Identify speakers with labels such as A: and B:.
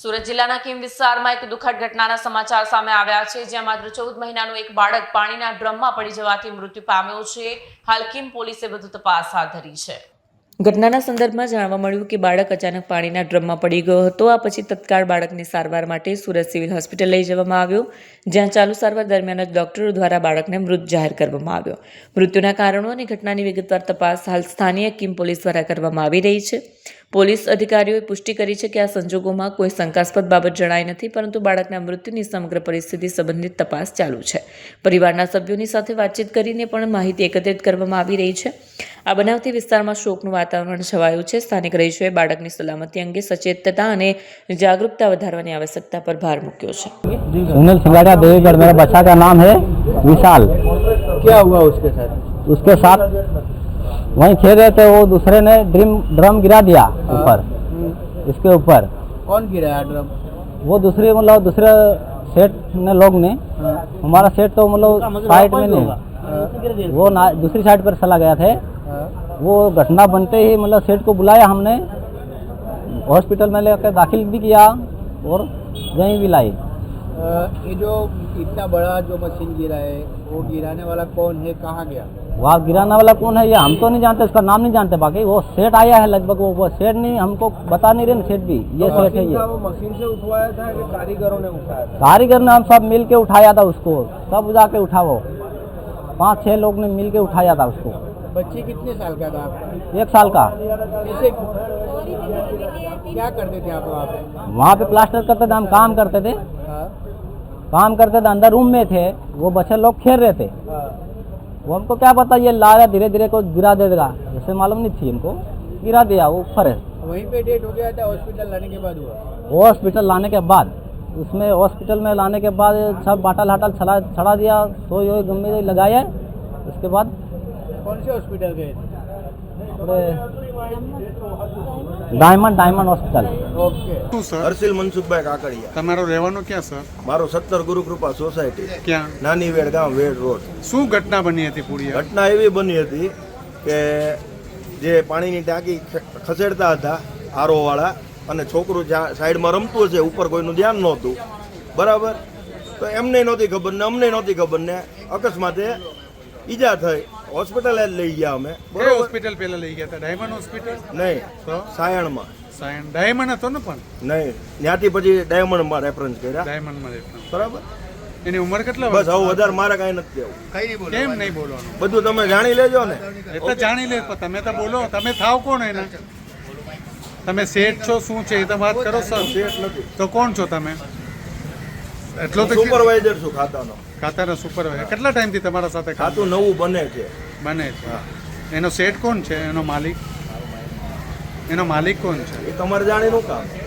A: સુરત જિલ્લાના કીમ વિસ્તારમાં એક દુઃખદ ઘટનાના સમાચાર સામે આવ્યા છે, જ્યાં માત્ર 14 મહિનાનું એક બાળક પાણીના ડ્રમમાં પડી જવાથી મૃત્યુ પામ્યો છે. હાલ કીમ પોલીસે વધુ તપાસ હાથ ધરી છે. ઘટનાના સંદર્ભમાં જાણવા મળ્યું કે બાળક અચાનક પાણીના ડ્રમમાં પડી ગયો હતો. આ પછી તત્કાળ બાળકને સારવાર માટે સુરત સિવિલ હોસ્પિટલ લઈ જવામાં આવ્યો, જ્યાં ચાલુ સારવાર દરમિયાન જ ડોક્ટરો દ્વારા બાળકને મૃત જાહેર કરવામાં આવ્યો. મૃત્યુના કારણો અને ઘટનાની વિગતવાર તપાસ હાલ સ્થાનિય કીમ પોલીસ દ્વારા કરવામાં આવી રહી છે. પોલીસ અધિકારીઓએ પુષ્ટિ કરી છે કે આ સંજોગોમાં કોઈ શંકાસ્પદ બાબત જણાઈ નથી, પરંતુ બાળકના મૃત્યુની સમગ્ર પરિસ્થિતિ સંબંધિત તપાસ ચાલુ છે. પરિવારના સભ્યોની સાથે વાતચીત કરીને પણ માહિતી એકત્રિત કરવામાં આવી રહી છે. આ બનાવથી વિસ્તારમાં શોકનું વાતાવરણ છવાયું છે. સ્થાનિક રહીશોએ બાળકની સલામતી અંગે સચેતતા અને જાગૃતતા વધારવાની આવશ્યકતા પર ભાર મૂક્યો છે.
B: सुनील सिंगाड़िया देवीगढ़, मेरा बच्चा का नाम है विशाल।
C: क्या हुआ उसके साथ?
B: उसके साथ वहीं खेल रहे थे, वो दूसरे ने ड्रम गिरा दिया ऊपर, इसके ऊपर।
C: कौन गिराया ड्रम?
B: वो दूसरे सेठ ने लोग ने, हमारा सेठ तो साइड में नहीं, वो दूसरी साइड पर चला गया थे। वो घटना बनते ही सेठ को बुलाया हमने, हॉस्पिटल में लेकर दाखिल भी किया और यहीं भी लाई।
C: ये जो इतना बड़ा जो मशीन गिरा है, वो गिराने वाला कौन है, कहाँ गया?
B: वहाँ गिराने वाला कौन है ये हम तो नहीं जानते, उसका नाम नहीं जानते। बाकी वो सेठ आया है लगभग, वो सेठ नहीं, हमको बता नहीं रहे ना सेठ भी, ये सेठ है ये।
C: वो मशीन से उठवाया था कि कारीगरों ने उठाया था?
B: कारीगर ने हम सब मिल के उठाया था उसको, सब जाके उठाओ, 5-6 लोग ने मिल के उठाया था उसको।
C: बच्चे कितने साल का था आपका?
B: 1 साल का।
C: कैसे क्या करते थे आप वहाँ पे?
B: वहाँ पे प्लास्टर करते थे, हम काम करते थे,
C: हाँ,
B: काम करते थे, अंदर रूम में थे, वो बच्चे लोग खेल रहे थे।
C: हाँ।
B: वो हमको क्या पता ये ला रहा धीरे धीरे को गिरा देगा, जैसे मालूम नहीं थी हमको, गिरा दिया वो ऊपर है।
C: वहीं पे डेट हो गया था, हॉस्पिटल लाने के बाद हुआ?
B: हॉस्पिटल लाने के बाद, उसमें हॉस्पिटल में लाने के बाद सब बाटल हाटल छड़ा दिया, सोई वोई गम्मे लगाया। उसके बाद
C: कौन से हॉस्पिटल गए थे?
B: Diamond hospital.
C: ओके।
D: શું સર?
E: હર્ષિલ મનસુખભાઈ કાકડિયા।
D: તમારો રહેવાનો ક્યાં સર?
E: મારો 17 ગુરુકૃપા સોસાયટી,
D: ક્યાં?
E: નાની વેડ ગામ, વેડ રોડ।
D: શું ઘટના બની હતી પૂરી?
E: ઘટના એવી બની હતી કે જે પાણીની ટાંકી ખસેડતા હતા આરો વાળા, અને છોકરું સાઈડમાં રમતું હશે, ઉપર કોઈનું ધ્યાન નહોતું, બરાબર? તો એમને નહોતી ખબર ને અમને નહોતી ખબર ને અકસ્માતે ઈજા થઈ, હોસ્પિટલ જ લઈ ગયા અમે,
D: કઈ
E: બરાબર?
D: હોસ્પિટલ પહેલા લઈ ગયા હતા? Diamond hospital?
E: નહીં,
D: તો
E: સાયણમાં
D: સાયન ડાયમંડ હતો ને? પણ
E: નહીં, ત્યાંથી પછી ડાયમંડમાં રેફરન્સ કર્યા,
D: ડાયમંડમાં રહેતા.
E: બરાબર?
D: એની ઉંમર કેટલા
E: બસ
D: વર્ષ?
E: હવે વધારે મારે કાંઈ નથી કહેવું,
D: કેમ નહીં બોલવાનું?
E: બધું તમે જાણી લેજો ને।
D: એ તો જાણી લે, પણ તમે તો બોલો. તમે થાવ કોણ એના? તમે શેઠ છો શું છે એ તો વાત કરો સર.
E: શેઠ નથી,
D: તો કોણ છો તમે? એટલો તો
E: સુપરવાઇઝર છું ખાતાનો।
D: ખાતાના સુપરવાઇઝર. કેટલા ટાઈમથી તમારા સાથે
E: ખાતું નવું બને છે।
D: બને છે? એનો શેઠ કોણ છે? એનો માલિક કોણ છે?
E: એ તમારે જાણીનું કામ।